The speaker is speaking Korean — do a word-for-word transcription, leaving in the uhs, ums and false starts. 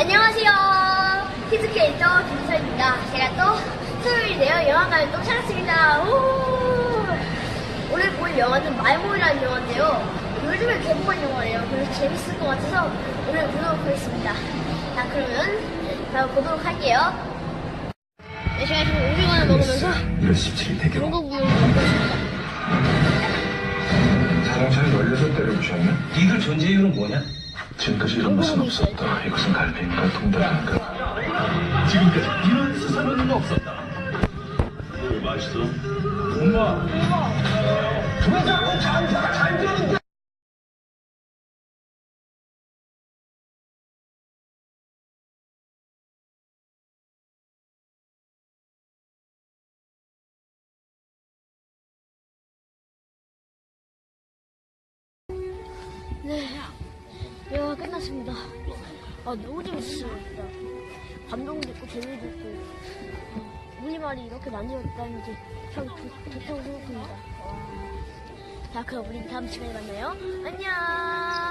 안녕하세요. 키즈캐릭터 김서입니다. 제가 또 토요일이네요. 영화관을 또 찾았습니다. 오! 오늘 볼 영화는 말모이라는 영화인데요. 요즘에 개봉한 영화예요. 그래서 재밌을 것 같아서 오늘 보도록 하겠습니다. 자, 그러면 바로 보도록 할게요. 네, 제가 지금 오징어를 먹으면서 경고부를 먹고 있습니다. 자동차를 열여섯 대를 부셨네? 니들 존재 이유는 뭐냐? 지금까지 이런 것은 없었다. 이것은 갈비인가 통닭인가? 지금까지 이런 수사는 없었다. 맛있어? 엄마! 조장은 장사가 잘 되는데! 네, 영화 끝났습니다. 아, 너무 재밌었어요, 진짜. 감동도 있고, 재미도 있고, 어, 우리말이 이렇게 만들었다는 게 참 좋다고 생각합니다. 와. 자, 그럼 우리 다음 시간에 만나요. 안녕!